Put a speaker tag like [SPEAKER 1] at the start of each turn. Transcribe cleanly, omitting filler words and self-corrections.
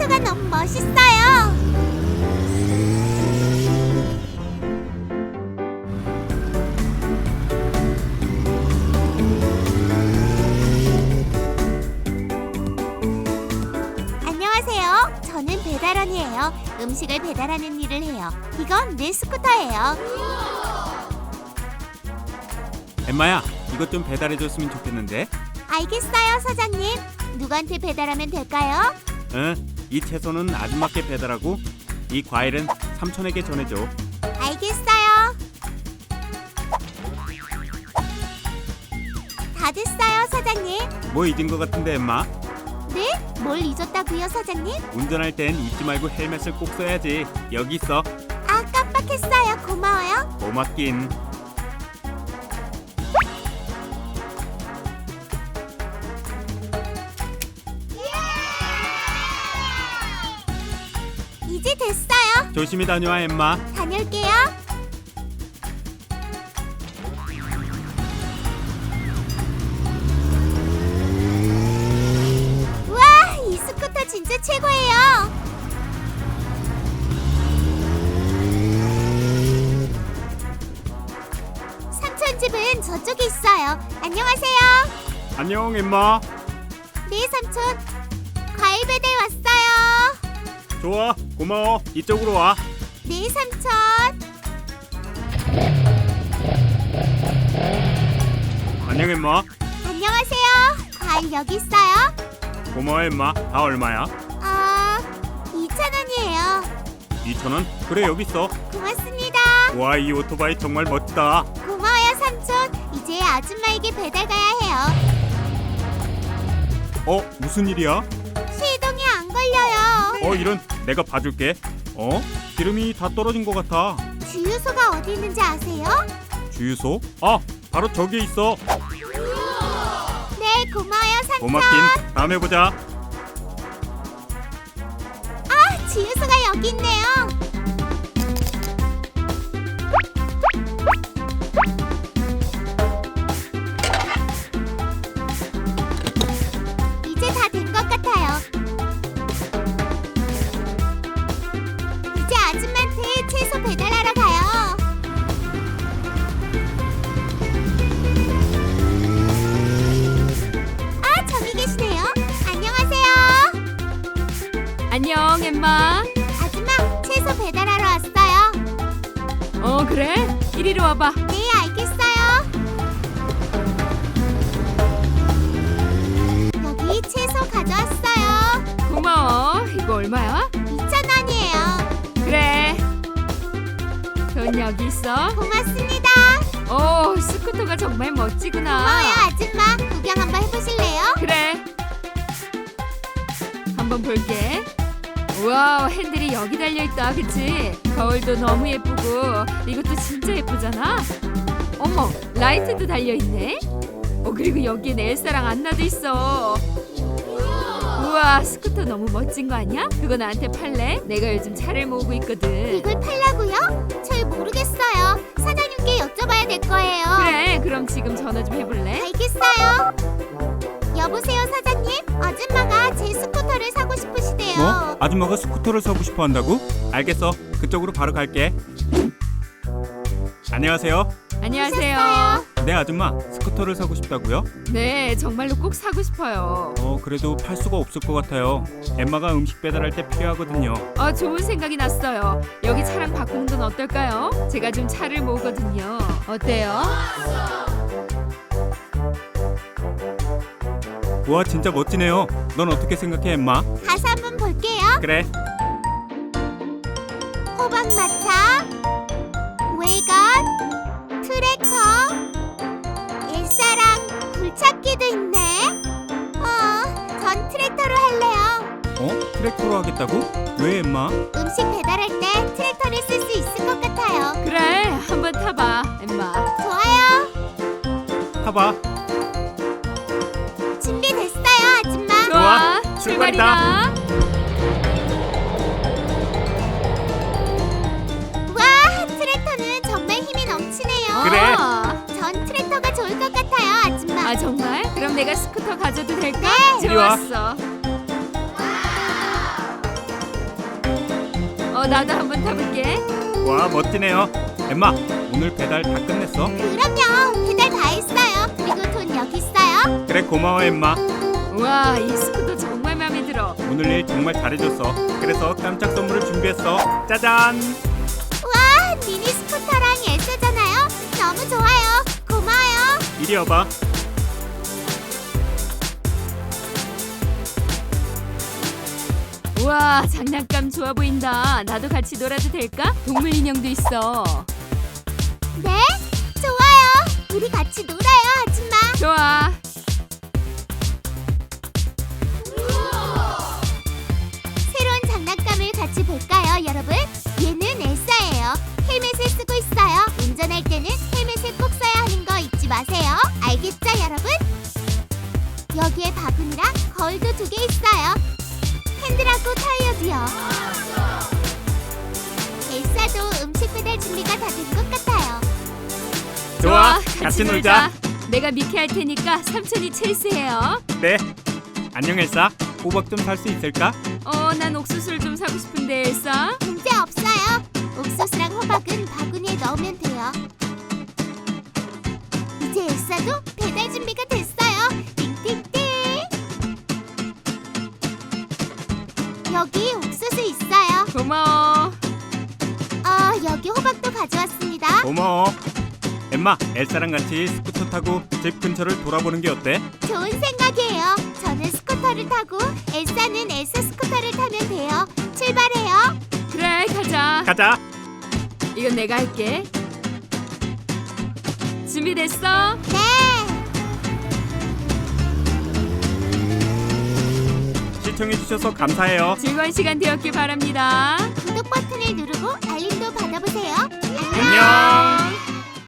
[SPEAKER 1] 스쿠터가 너무 멋있어요. 안녕하세요. 저는 배달원이에요. 음식을 배달하는 일을 해요. 이건 내 스쿠터예요.
[SPEAKER 2] 엠마야, 이것 좀 배달해줬으면 좋겠는데.
[SPEAKER 1] 알겠어요, 사장님. 누구한테 배달하면 될까요?
[SPEAKER 2] 응, 이 채소는 아줌마께 배달하고 이 과일은 삼촌에게 전해줘.
[SPEAKER 1] 알겠어요. 다 됐어요, 사장님.
[SPEAKER 2] 뭐 잊은 것 같은데, 엠마?
[SPEAKER 1] 네? 뭘 잊었다고요, 사장님?
[SPEAKER 2] 운전할 땐 잊지 말고 헬멧을 꼭 써야지. 여기 있어.
[SPEAKER 1] 아, 깜빡했어요. 고마워요.
[SPEAKER 2] 고맙긴.
[SPEAKER 1] 이제 됐어요.
[SPEAKER 2] 조심히 다녀와, 엠마.
[SPEAKER 1] 다녀올게요. 우와, 이 스쿠터 진짜 최고예요. 삼촌 집은 저쪽에 있어요. 안녕하세요.
[SPEAKER 2] 안녕, 엠마.
[SPEAKER 1] 네, 삼촌. 과일 배달 왔어요.
[SPEAKER 2] 좋아, 고마워. 이쪽으로 와.
[SPEAKER 1] 네, 삼촌.
[SPEAKER 2] 안녕, 엠마.
[SPEAKER 1] 안녕하세요. 과일 여기 있어요.
[SPEAKER 2] 고마워, 엠마. 다 얼마야?
[SPEAKER 1] 2,000원이에요.
[SPEAKER 2] 2,000원? 그래, 여기 있어.
[SPEAKER 1] 고맙습니다.
[SPEAKER 2] 와, 이 오토바이 정말 멋지다.
[SPEAKER 1] 고마워요, 삼촌. 이제 아줌마에게 배달 가야 해요.
[SPEAKER 2] 무슨 일이야?
[SPEAKER 1] 시동이 안 걸려요.
[SPEAKER 2] 이런. 내가 봐줄게. 기름이 다 떨어진 것 같아.
[SPEAKER 1] 주유소가 어디 있는지 아세요?
[SPEAKER 2] 주유소? 바로 저기에 있어.
[SPEAKER 1] 네, 고마워요, 삼촌.
[SPEAKER 2] 고맙긴. 다음에 보자.
[SPEAKER 1] 주유소가 여기 있네요. 이제 다 된 것 같아요. 이제 아줌마한테 채소 배달하러 가요. 저기 계시네요. 안녕하세요.
[SPEAKER 3] 안녕, 엠마.
[SPEAKER 1] 아줌마, 채소 배달하러 왔어요.
[SPEAKER 3] 그래? 이리로 와봐.
[SPEAKER 1] 네, 알겠어요. 여기 채소 가져왔어요.
[SPEAKER 3] 고마워. 이거 얼마야?
[SPEAKER 1] 2,000원이에요.
[SPEAKER 3] 그래. 돈 여기 있어.
[SPEAKER 1] 고맙습니다.
[SPEAKER 3] 스쿠터가 정말 멋지구나.
[SPEAKER 1] 고마워요, 아줌마. 구경 한번 해보실래요?
[SPEAKER 3] 그래. 한번 볼게. 우와, 핸들이 여기 달려있다, 그치? 거울도 너무 예쁘고 이것도 진짜 예쁘잖아. 어머, 라이트도 달려있네. 그리고 여기엔 엘사랑 안나도 있어. 우와, 스쿠터 너무 멋진 거 아니야? 그거 나한테 팔래? 내가 요즘 차를 모으고 있거든.
[SPEAKER 1] 이걸 팔라고요? 잘 모르겠어요. 사장님께 여쭤봐야 될 거예요.
[SPEAKER 3] 그래, 그럼 지금 전화 좀 해볼래?
[SPEAKER 1] 알겠어요. 여보세요, 사장님. 아줌마가 제 스쿠터를 사고 싶으시대요.
[SPEAKER 2] 뭐? 아줌마가 스쿠터를 사고 싶어 한다고? 알겠어. 그쪽으로 바로 갈게. 안녕하세요.
[SPEAKER 3] 안녕하세요.
[SPEAKER 1] 오셨어요?
[SPEAKER 2] 네, 아줌마. 스쿠터를 사고 싶다고요?
[SPEAKER 3] 네, 정말로 꼭 사고 싶어요.
[SPEAKER 2] 그래도 팔 수가 없을 것 같아요. 엠마가 음식 배달할 때 필요하거든요.
[SPEAKER 3] 좋은 생각이 났어요. 여기 차랑 바꾸는 건 어떨까요? 제가 좀 차를 모으거든요. 어때요?
[SPEAKER 2] 와, 진짜 멋지네요. 넌 어떻게 생각해, 엠마?
[SPEAKER 1] 가서 한번 볼게요.
[SPEAKER 2] 그래.
[SPEAKER 1] 호박마차, 웨이건, 트랙터, 일사랑 굴착기도 있네. 전 트랙터로 할래요.
[SPEAKER 2] 트랙터로 하겠다고? 왜, 엠마?
[SPEAKER 1] 음식 배달할 때 트랙터를 쓸 수 있을 것 같아요.
[SPEAKER 3] 그래, 한번 타봐, 엠마.
[SPEAKER 1] 좋아요.
[SPEAKER 2] 타봐.
[SPEAKER 1] 준비됐어요, 아줌마.
[SPEAKER 2] 좋아,
[SPEAKER 3] 출발이다.
[SPEAKER 2] 출발이다.
[SPEAKER 1] 와, 트랙터는 정말 힘이 넘치네요.
[SPEAKER 2] 그래.
[SPEAKER 1] 전 트랙터가 좋을 것 같아요, 아줌마.
[SPEAKER 3] 정말? 그럼 내가 스쿠터 가져도 될까?
[SPEAKER 1] 네.
[SPEAKER 2] 이리 와.
[SPEAKER 3] 좋았어. 나도 한번 타볼게.
[SPEAKER 2] 와, 멋지네요. 엠마, 오늘 배달 다 끝냈어?
[SPEAKER 1] 그럼요. 배달 다 했어요. 그리고 돈 여기 있어요.
[SPEAKER 2] 그래, 고마워 엠마.
[SPEAKER 3] 와, 이 스쿠터 정말 마음에 들어.
[SPEAKER 2] 오늘 일 정말 잘해줬어. 그래서 깜짝 선물을 준비했어. 짜잔.
[SPEAKER 1] 와, 미니 스쿠터랑 엘사잖아요. 너무 좋아요. 고마워요.
[SPEAKER 2] 이리 와봐.
[SPEAKER 3] 우와, 장난감 좋아 보인다. 나도 같이 놀아도 될까? 동물 인형도 있어.
[SPEAKER 1] 네? 좋아요. 우리 같이 놀아요, 아줌마.
[SPEAKER 3] 좋아.
[SPEAKER 1] 새로운 장난감을 같이 볼까요, 여러분? 얘는 엘사예요. 헬멧을 쓰고 있어요. 운전할 때는 헬멧을 꼭 써야 하는 거 잊지 마세요. 알겠죠, 여러분? 여기에 바구니랑 거울도 2개 있어요. 핸들하고 타이어도요. 엘사도 음식 배달 준비가 다 된 것 같아요.
[SPEAKER 2] 좋아, 같이 놀자.
[SPEAKER 3] 내가 미케 할 테니까 삼촌이 체스해요.
[SPEAKER 2] 네. 안녕 엘사. 호박 좀 살 수 있을까?
[SPEAKER 3] 난 옥수수를 좀 사고 싶은데 엘사.
[SPEAKER 1] 문제 없어요. 옥수수랑 호박은 바구니에 넣으면 돼요. 이제 엘사도 배달 준비가 됐어요. 띵띵띵. 여기 옥수수 있어요.
[SPEAKER 3] 고마워.
[SPEAKER 1] 여기 호박도 가져왔습니다.
[SPEAKER 2] 고마워. 엠마, 엘사랑 같이 스쿠터 타고 집 근처를 돌아보는 게 어때?
[SPEAKER 1] 좋은 생각이에요. 저는 스쿠터를 타고 엘사는 엘사 스쿠터를 타면 돼요. 출발해요.
[SPEAKER 3] 그래, 가자.
[SPEAKER 2] 가자.
[SPEAKER 3] 이건 내가 할게. 준비됐어?
[SPEAKER 1] 네.
[SPEAKER 2] 시청해주셔서 감사해요.
[SPEAKER 3] 즐거운 시간 되었길 바랍니다.
[SPEAKER 1] 구독